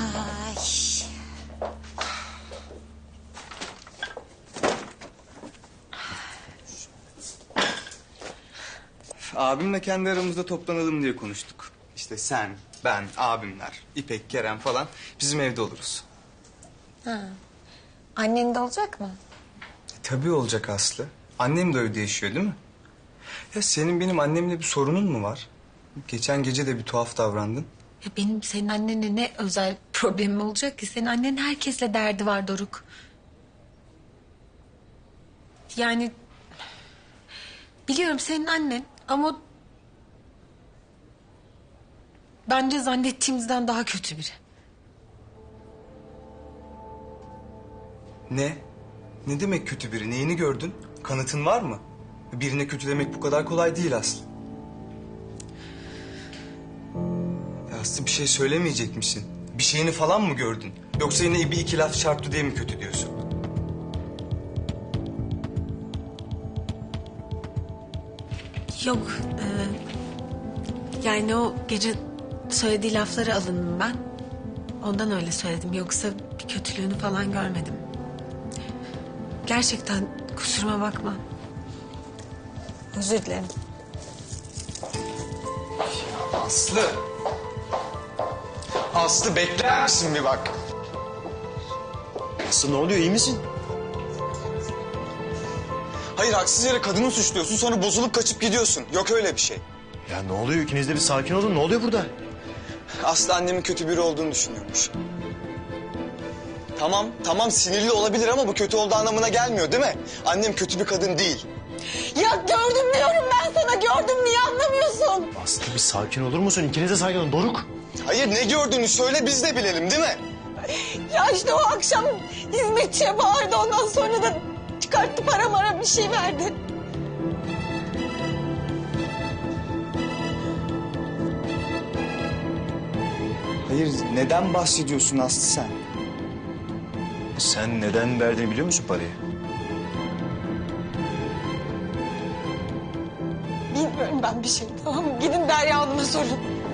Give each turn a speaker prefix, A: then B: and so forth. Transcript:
A: Ay.
B: Abimle kendi aramızda toplanalım diye konuştuk. İşte sen, ben, abimler, İpek, Kerem falan bizim evde oluruz.
A: Annen de olacak mı?
B: Tabii olacak Aslı. Annem de evde yaşıyor değil mi? Ya senin benim annemle bir sorunun mu var? Geçen gece de bir tuhaf davrandın.
A: Ya benim senin annenle ne özel problemim olacak ki? Senin annen herkesle derdi var Doruk. Yani biliyorum senin annen ama bence zannettiğimizden daha kötü biri.
B: Ne? Ne demek kötü biri? Neyini gördün? Kanıtın var mı? Birine kötü demek bu kadar kolay değil Aslı. Ya Aslı bir şey söylemeyecek misin? Bir şeyini falan mı gördün? Yoksa yine bir iki laf çarptı diye mi kötü diyorsun?
A: Yok. Yani o gece söylediği lafları alındım ben. Ondan öyle söyledim. Yoksa bir kötülüğünü falan görmedim. Gerçekten kusuruma bakma. Özür dilerim.
B: Aslı! Aslı bekler misin bir bak?
C: Aslı ne oluyor, iyi misin?
B: Hayır haksız yere kadını suçluyorsun sonra bozulup kaçıp gidiyorsun. Yok öyle bir şey.
C: Ya ne oluyor, ikiniz de bir sakin olun, ne oluyor burada?
B: Aslı annemin kötü biri olduğunu düşünüyormuş. Tamam sinirli olabilir ama bu kötü olduğu anlamına gelmiyor değil mi? Annem kötü bir kadın değil.
A: Ya gördüm diyorum ben sana, gördüm, niye anlamıyorsun?
C: Aslı bir sakin olur musun? İkiniz de sakin olun, Doruk.
B: Hayır ne gördüğünü söyle biz de bilelim değil mi?
A: Ya işte o akşam hizmetçiye bağırdı, ondan sonra da çıkarttı para mara bir şey verdi.
B: Hayır neden bahsediyorsun Aslı sen?
C: Sen neden verdiğini biliyor musun parayı?
A: Bilmiyorum ben bir şey, tamam mı? Gidin Derya Hanım'a sorun.